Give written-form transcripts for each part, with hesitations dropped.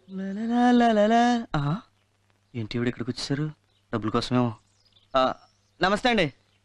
ఏంటి ఇవిడ ఇక్కడికి వచ్చేసారు? డబ్బుల కోసమేమో. నమస్తే అండి.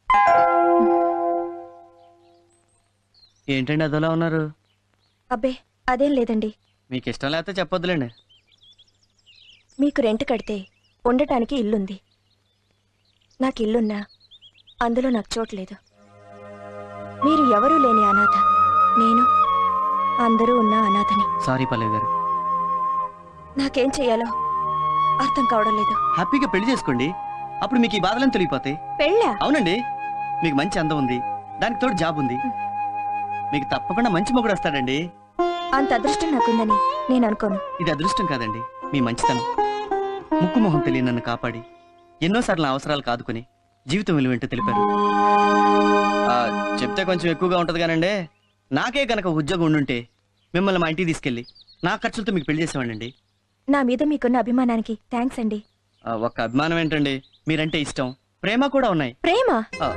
ఏంటండి అదోలా ఉన్నారు? అబ్బే అదేం లేదండి. మీకు ఇష్టం లేకపోతే చెప్పొద్దులేండి. మీకు రెంట్ కడితే ఉండటానికి ఇల్లుంది. నాకు ఇల్లున్నా అందులో నాకు చోట్లేదు. మీరు ఎవరూ లేని అనాథ, నేను అందరూ ఉన్న అనాథని. సారీ పల్లవి గారు. నాకేం చెయ్యాలో అర్థం కావడం లేదు. హ్యాపీగా పెళ్లి చేసుకోండి, అప్పుడు మీకు ఈ బాధలను తొలగిపోతాయి. పెళ్ళా? అవునండి, మీకు మంచి అందం ఉంది, దానికి తోడు జాబ్ ఉంది, మీకు తప్పకుండా మంచి మొగుడు వస్తాడండి. అంత అదృష్టం నాకుందని నేను అనుకోను. ఇది అదృష్టం కాదండి, మీ మంచితనం. ముక్కు మొహం తెలియని నన్ను కాపాడి ఎన్నోసార్లు అవసరాలు కాదుకొని జీవితం విలువేంటో తెలిపారు. చెప్తే కొంచెం ఎక్కువగా ఉంటది కానండి, నాకే కనుక ఉద్యోగం ఉండుంటే మిమ్మల్ని మా ఇంటికి తీసుకెళ్ళి నా ఖర్చులతో మీకు పెళ్లి చేసేవాడండి. నా మీద మీకున్న అభిమానానికి థ్యాంక్స్ అండి. ఒక్క అభిమానం ఏంటండి, మీరంటే ఇష్టం, ప్రేమ కూడా ఉన్నాయి. ప్రేమ?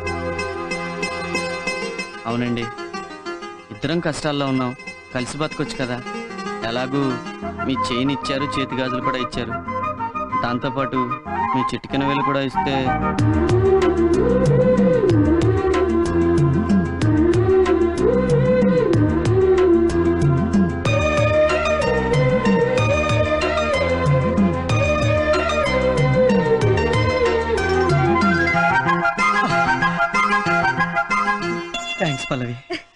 అవునండి, ఇద్దరం కష్టాల్లో ఉన్నాం, కలిసి బతకొచ్చు కదా. ఎలాగూ మీ చైన్ ఇచ్చారు, చేతి గాజులు కూడా ఇచ్చారు, దాంతోపాటు మీ చిటికెన వేలు కూడా ఇస్తే. థ్యాంక్స్ పల్లవి.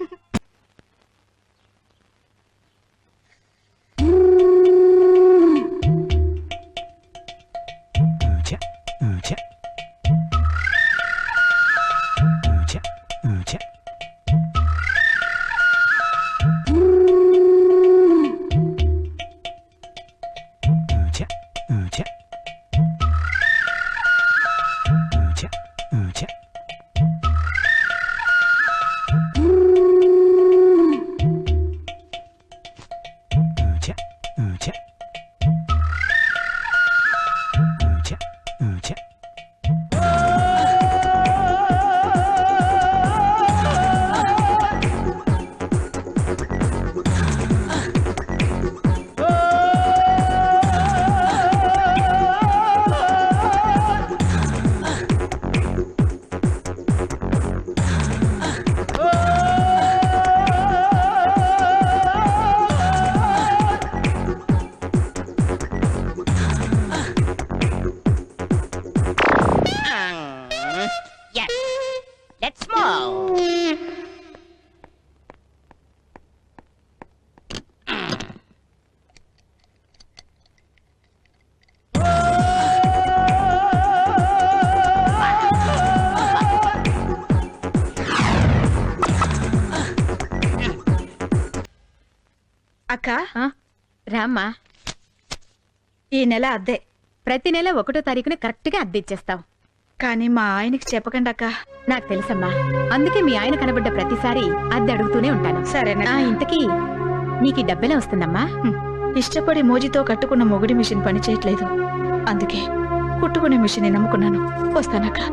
అక్క రామ్మా, ఈ నెల అద్దె ప్రతి నెల 1వ తారీఖున కరెక్ట్ గా అద్దె ఇచ్చేస్తావు. కానీ మా ఆయనకి చెప్పకండి అక్క. నాకు తెలుసమ్మా, అందుకే మీ ఆయన కనబడ్డ ప్రతిసారి అద్దె అడుగుతూనే ఉంటాను. సరేనా? ఇంతకీ నీకు డబ్బెలా వస్తుందమ్మా? ఇష్టపడి మోజీతో కట్టుకున్న మొగుడి మిషన్ పని చేయట్లేదు, అందుకే కుట్టుకునే మిషన్ నమ్ముకున్నాను. వస్తానక్క.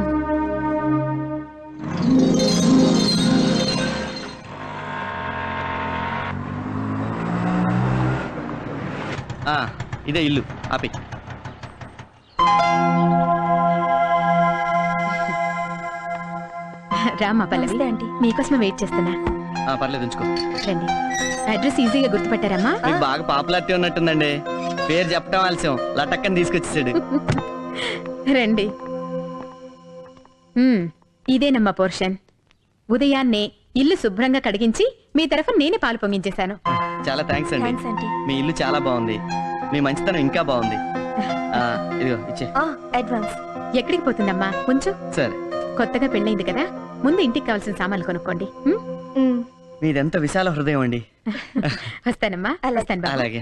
ఇదే ఇల్లు. ఆపి. రామ్మా పల్లవి, ఆంటీ. మీకోసమే వెయిట్ చేస్తున్నా. పర్లేదు, ఉంచుకో. రండి. అడ్రస్ ఈజీగా గుర్తుపట్టారమ్మా? మీకు బాగా పాపులారిటీ ఉన్నట్టుందండి, పేరు చెప్పడం ఆలస్యం, లటక్కని తీసుకొచ్చేసాడు. రండి. ఇదేనమ్మా పోర్షన్. ఉదయాన్నే ఇల్లు శుభ్రంగా కడిగించి మీ తరఫున నేనే పాలు పొంగించేశాను. చాలా థ్యాంక్స్ అండి. Thanks aunty. మీ ఇల్లు చాలా బాగుంది, మీ మంచితనం ఇంకా బాగుంది. ఇదిగో ఇచ్చే. అడ్వాన్స్. ఎక్కడికి పోతుందమ్మా? కొంచెం సరే. కొత్తగా పెళ్ళైంది కదా, ముందు ఇంటికి కావాల్సిన సామాన్లు కొనుక్కోండి. మీదెంత విశాల హృదయం అండి. వస్తానమ్మా. వస్తాను బాబు. అలాగే.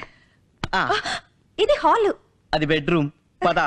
ఇది హాల్, అది బెడ్రూమ్. పద.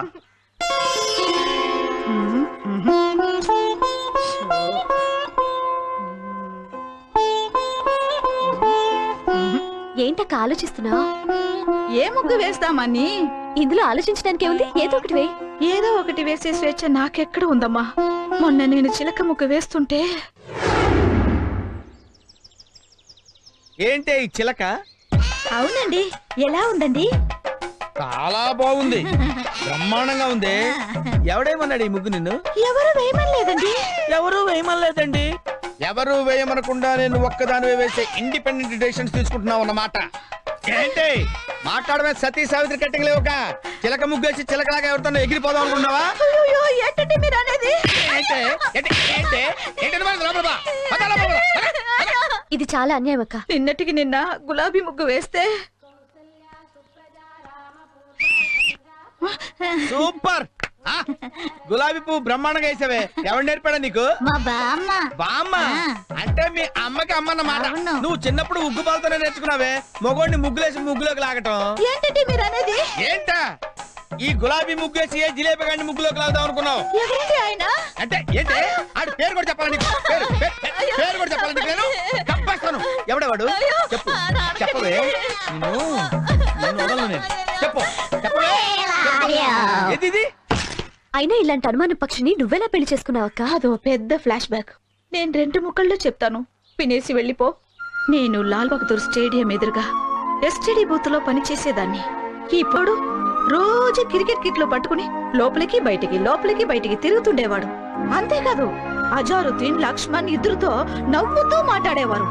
ఏంటక్క ఆలోచిస్తున్నావు? ఏ ముగ్గు వేస్తామని? ఇందులో ఆలోచించడానికి ఏముంది, ఏదో ఒకటి వే. ఏదో ఒకటి వేసే స్వేచ్ఛ నాకెక్కడ ఉందమ్మా. మొన్న నేను చిలక ముగ్గు వేస్తుంటే. ఏంటే ఈ చిలక? అవునండి, ఎలా ఉందండి? చాలా బాగుంది, బ్రహ్మాండంగా ఉంది. ఎవడేమన్నాడు ఈ ముగ్గు నిన్ను? ఎవరు వేయమనలేదండి. ఎవరు వేయమనలేదండి. ఎవరు వేయమనకుండా నేను ఒక్కదాని వేసే ఇండిపెండెంట్ డెసిషన్స్ తీసుకుంటున్నావు అన్నమాట. ఏంటి మాట్లాడమే సతీ సావిత్రి కట్టింగ్ లేవుక చిలక ముగ్గేసి చిలకలాగా ఎవరితో ఎగిరిపోదాం అనుకున్నావా? అయ్యో, ఏంటండి మీరు అనేది? ఇది చాలా అన్యాయం అక్క. నిన్నటికి నిన్న గులాబీ ముగ్గు వేస్తే సూపర్. గులాబీ పువ్వు బ్రహ్మాండంగా వేసావే. ఎవరు నేర్పాడా నీకు? మా బామ్మ. బామ్మ అంటే మీ అమ్మకి అమ్మన్నమాట. అవును. నువ్వు చిన్నప్పుడు ఉగ్గు పాలతోనే నేర్చుకున్నావే మొగోడిని ముగ్గులేసి ముగ్గులోకి లాగటం. ఏంటండి మీరు అనేది? ఏంటా ఈ గులాబీ ముగ్గేసి ఏ జిలేబీ గాడిని ముగ్గులోకి లాగుదాం అనుకున్నావు? ఎవరండి ఆయన? అంటే ఏంటి ఆడి పేరు కూడా చెప్పాలని పేరు కూడా చెప్పాలని నేను తప్పేస్తాను. ఎవడేవాడు చెప్పు, చెప్పవే. నిన్ను వదలను నేను. చెప్పు, చెప్పవే. ఏది ఇది? అయినా ఇలాంటి అనుమాన పక్షిని నువ్వెలా పెళ్లి చేసుకున్నావక్క? అదో పెద్ద ఫ్లాష్ బ్యాక్. నేను 2 ముక్కల్లో చెప్తాను, వినేసి వెళ్ళిపో. నేను లాల్ బహదూర్ స్టేడియం ఎదురుగా ఎస్టీడీ బూత్ లో పనిచేసేదాన్ని. ఇప్పుడు రోజు క్రికెట్ కిట్లు పట్టుకుని లోపలికి బయటికి తిరుగుతుండేవాడు. అంతేకాదు అజారుద్దీన్, లక్ష్మణ్ ఇద్దరితో నవ్వుతూ మాట్లాడేవారు.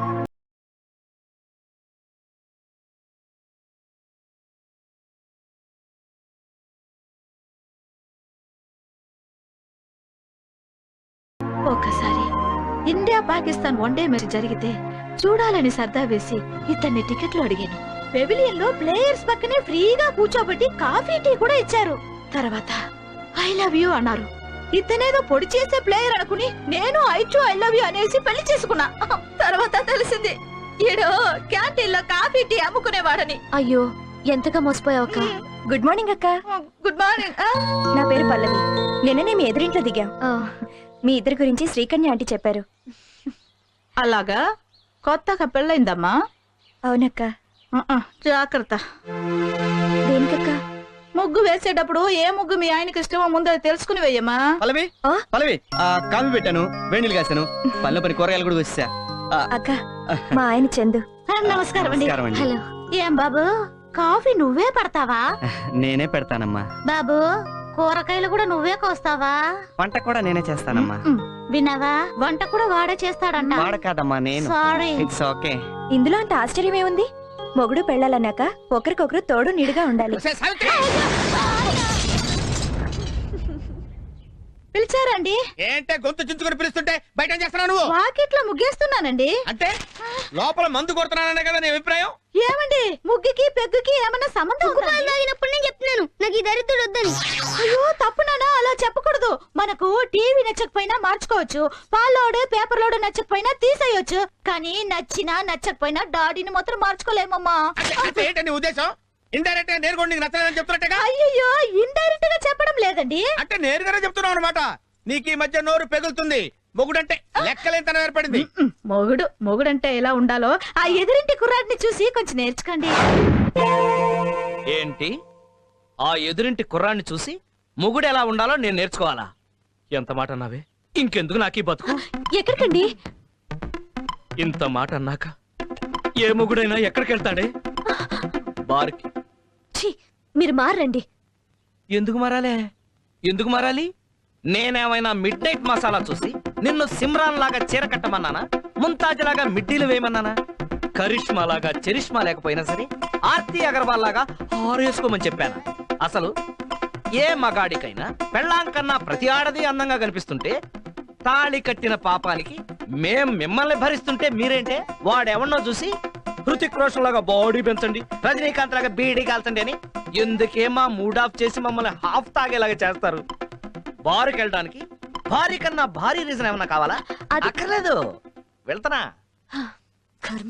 ఒకసారి ఇండియా పాకిస్తాన్ వన్డే మ్యాచ్ జరిగితే చూడాలని సర్దా వేసి ఇతన్ని టికెట్లు అడిగాను. పెవిలియన్ లో ప్లేయర్స్ పక్కనే ఫ్రీగా కూర్చోబెట్టి కాఫీ టీ కూడా ఇచ్చారు. తర్వాత ఐ లవ్ యూ అన్నారు. ఇతనేదో పొడి చేసే ప్లేయర్ అనుకుని నేను ఐ లవ్ యూ అనేసి పెళ్లి చేసుకున్నా. తర్వాత తెలిసింది ఈడో క్యాంటీన్ లో కాఫీ టీ అమ్ముకునేవాడని. అయ్యో, ఎంతగా మోసపోయావక్క. గుడ్ మార్నింగ్ అక్క. Good morning. నా పేరు పల్లవి. నిన్ననే మీ ఎదురింట్లో దిగాం. మీ ఇద్దరి గురించి శ్రీకన్య ఆంటీ చెప్పారు. అలాగా, కొత్తగా పెళ్ళైందమ్మా? అవునక్క. జాగ్రత్త. దేనికక్క? ముగ్గు వేసేటప్పుడు ఏ ముగ్గు మీ ఆయనకి ఇష్టమో ముందు అది తెలుసుకుని వేయమ్మా. పల్లవి పల్లవి కాఫీ పెట్టాను, వేణీలు కాశాను, పల్లె పని కూరగాయలు కూడా వచ్చా. అక్క, మా ఆయన చందు. నమస్కారం అండి. నమస్కారం అండి. హలో. ఏం బాబు, కాఫీ నువ్వే పడతావా? నేనే పెడతానమ్మా. బాబు, కూరగాయలు కూడా నువ్వే కోస్తావా? వంట కూడా నేనే చేస్తానమ్మా. విన్నావా, వంట కూడా వాడే చేస్తాడంట. వాడ కాదమ్మా, నేను. సారీ. It's okay. ఇందులో అంత ఆశ్చర్యం ఏముంది? మొగుడు పెళ్ళాలన్నాక ఒకరికొకరు తోడు నీడుగా ఉండాలి. సావిత్రి పిలిచారండి? ఏంటే గొంతు చించుకొని పిలుస్తుంటే బయట ఏం చేస్తున్నావు నువ్వు? వాకిట్లో ముగ్గేస్తున్నానండి. అంటే లోపల మందు కొడుతున్నాననే కదా నీ అభిప్రాయం? ఏమండి, ముగ్గుకి పెగ్గుకి ఏమన్నా సంబంధం ఉందా? నేను చెప్తున్నాను నాకు ఈ దరిద్రుడు వద్దని. అయ్యో, తప్పునానా, అలా చెప్పకూడదు. మనకు టీవీ నచ్చకపోయినా మార్చుకోవచ్చు, పాలోడు పేపర్లోడు నచ్చకపోయినా తీసేయొచ్చు, కానీ నచ్చినా నచ్చకపోయినా డాడీని మాత్రం మార్చుకోలేమమ్మా. అంటే ఏంటి నీ ఉద్దేశం? ఇండైరెక్ట్ గా నేరుగా నీకు నచ్చలేదని చెప్తున్నట్టుగా? అయ్యో, ఇండైరెక్ట్ గా చెప్పడం లేదండి. అంటే నేరుగానే చెప్తున్నావు అనమాట. నీకు ఈ మధ్య నోరు పెగులుతుంది. మొగుడంటే లెక్కలేంతనం ఏర్పడింది. మొగుడంటే ఎలా ఉండాలో ఆ ఎదురింటి కుర్రాడిని చూసి కొంచెం నేర్చుకోండి. ఏంటి, ఆ ఎదురింటి కుర్రాన్ని చూసి మొగుడు ఎలా ఉండాలో నేను నేర్చుకోవాలా? ఎంత మాట అన్నావే? ఇంకెందుకు నాకీ బతుకు? ఎక్కడికండి? ఇంత మాట అన్నాక ఏ మొగుడైనా ఎక్కడికి వెళ్తాడే? బార్కి. ఛీ, మీరు మారండి. ఎందుకు మారాలే? ఎందుకు మారాలి? నేనేమైనా మిడ్ నైట్ మసాలా చూసి నిన్ను సిమ్రాన్ లాగా చీర కట్టమన్నానా? ముంతాజ్ లాగా మిడ్డీలు వేయమన్నానా? కరిష్మా లాగా చరిష్మా లేకపోయినా సరే ఆర్తి అగర్వాల్ లాగా హారేసుకోమని చెప్పాను. అసలు ఏ మగాడికైనా పెళ్ళాం కన్నా ప్రతి ఆడది అందంగా కనిపిస్తుంటే తాళి కట్టిన పాపానికి మేం మిమ్మల్ని భరిస్తుంటే మీరేంటే వాడెవన్నో చూసి హృతిక్ రోషన్ లాగా బాడీ పెంచండి, రజనీకాంత్ లాగా బీడీ కాల్చండి అని ఎందుకే మా మూడ్ ఆఫ్ చేసి మమ్మల్ని హాఫ్ తాగేలాగా చేస్తారు? బారుకి వెళ్ళడానికి భారీ కన్నా భారీ రీజన్ ఏమన్నా కావాలా? అక్కర్లేదు, వెళ్తానా. కర్మ.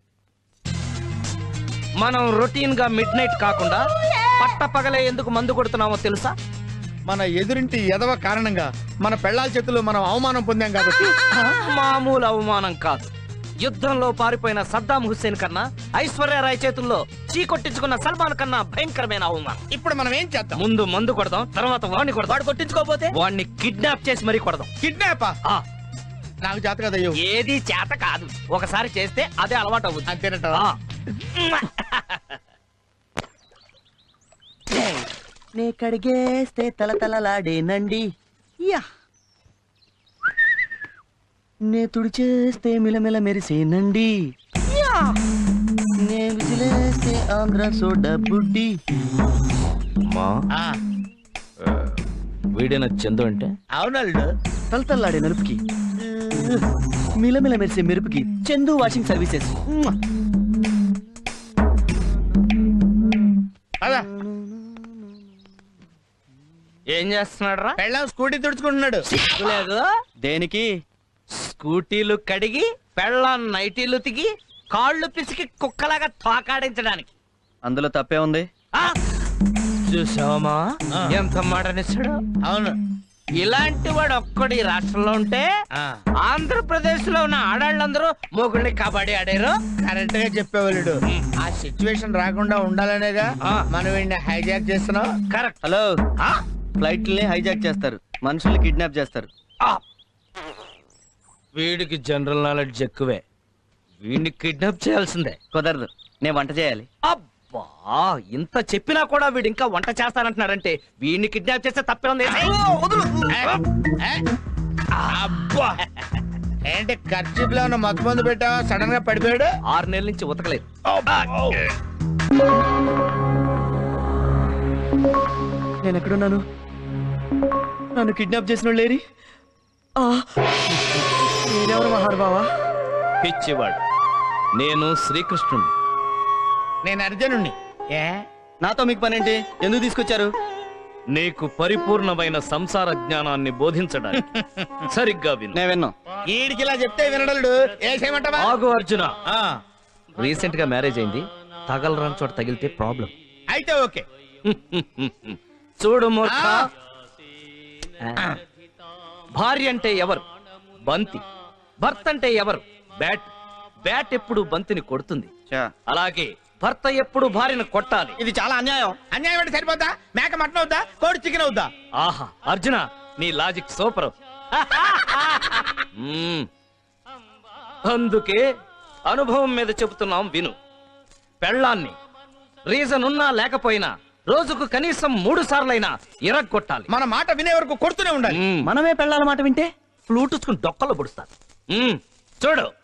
మనం రొటీన్ గా మిడ్ నైట్ కాకుండా పట్ట పగలే ఎందుకు మందు కొడుతున్నామో తెలుసా? మన ఎదురింటి ఎదవ కారణంగా మన పెళ్ళాల చేతుల్లో మనం అవమానం పొందాం కాబట్టి. మామూలు అవమానం కాదు. యుద్ధంలో పారిపోయిన సద్దాం హుస్సేన్ కన్నా ఐశ్వర్యరాయ్ చేతుల్లో చీకొట్టించుకున్న సల్మాన్ కన్నా భయంకరమైన అవమానం. ఇప్పుడు మనం ఏం చేద్దాం? ముందు మందు కొడదాం, తర్వాత వాడిని కొడదాం. వాడు కొట్టించుకోకపోతే వాడిని కిడ్నాప్ చేసి మరీ కొడదాం. కిడ్నాపా? నాకు చేత కదా. ఏది చేత కాదు, ఒకసారి చేస్తే అదే అలవాటు అవుతుంది. అంతేనట. నే కడిగేస్తే తలతలలాడేనండి యా నే తుడిచేస్తే మిలమిల మెరిసేనండి యా నే విసిలేస్తే ఆంధ్ర సోడా బుడ్డి మా వీడిన చందు అంటే అవునల్డు. తలతల్లాడే నలుపుకి మిలమిల మెరిసే మెరుపుకి చందు వాషింగ్ సర్వీసెస్ అదా ఏం చేస్తున్నాడు రా? పెళ్ళాం స్కూటీ తుడుచుకుంటున్నాడు. లేదు, దేనికి స్కూటీలు కడిగి పెళ్ళాం నైటీలు తిగి కాళ్ళు పిసికి కుక్కలాగా తోకాడించడానికి. అందులో తప్పే ఉంది. ఆ! చూసావమ్మా ఎంత మాటనిస్తాడు. అవును. ఇలాంటి వాడు ఒక్కడి రాష్ట్రంలో ఉంటే ఆ, ఆంధ్రప్రదేశ్ లో ఉన్న ఆడాళ్ళందరూ మొగుళ్ళని కబడ్డీ ఆడారు. కరెక్ట్ గా చెప్పేవాళ్ళు. ఆ సిచ్యువేషన్ రాకుండా ఉండాలనేగా ఆ. మనం వీడిని హైజాక్ చేస్తున్నాం. కరెక్ట్. హలో ఫ్లైట్లని హైజాక్ చేస్తారు, మనుషుల్ని కిడ్నాప్ చేస్తారు. వీడికి జనరల్ నాలెడ్జ్ ఎక్కువే. వీడిని కిడ్నాప్ చేయాల్సిందే. కుదరదు, నేను వంట చేయాలి. అబ్బా, ఇంత చెప్పినా కూడా వీడు ఇంకా వంట చేస్తానంటున్నాడంటే వీడిని కిడ్నాప్ చేస్తే తప్పే ఉంది. ఏ? అబ్బా, ఏంటి ఖర్చీప్ లో ఉన్న మత్తు మందు పెట్టావా? సడన్ గా పడిపోయాడు. 6 నెలల నుంచి ఉతకలేదు. నేను ఎక్కడున్నాను? నన్ను కిడ్నాప్ చేసిన వాళ్ళు లేరి? మీరెవరు మహానుభావా? పిచ్చివాడు, నేను శ్రీకృష్ణుడు. నేను అర్జునుణ్ణి. ఏ? నాతో మీకు పనేంటి? ఎందుకు తీసుకొచ్చారు? నీకు పరిపూర్ణమైన సంసార జ్ఞానాన్ని బోధించడానికి. సరిగ్గా విను. నేను విన్నా. ఈడికి ఇలా చెప్తే వినడలుడు. ఏ చేయమంటావా? ఆగు అర్జున. ఆ, రీసెంట్ గా మ్యారేజ్ అయింది. తగలరాని చోట తగిలితే ప్రాబ్లం. అయితే ఓకే. చూడు మూర్ఖ, భార్య అంటే ఎవరు? బంతి. భర్త అంటే ఎవరు? బ్యాట్. బ్యాట్ ఎప్పుడు బంతిని కొడుతుంది. చా, అలాగే భర్త ఎప్పుడు భార్యను కొట్టాలి. ఇది చాలా అన్యాయం. అన్యాయం అంటే సరిపోద్దా? మేక మటన్ అవుద్దా? కోడి చికెన్ అవుద్దా? ఆహా అర్జున, నీ లాజిక్ సూపర్. అందుకే అనుభవం మీద చెబుతున్నాం విను. పెళ్ళాన్ని రీజన్ ఉన్నా లేకపోయినా రోజుకు కనీసం 3 సార్లైనా ఇరగ్గొట్టాలి. మన మాట వినే వరకు కొడుతూనే ఉండాలి. మ్మ్. మనమే పెళ్ళాల మాట వింటే ఫ్లూట్ డొక్కలు పొడుస్తారు. చూడు,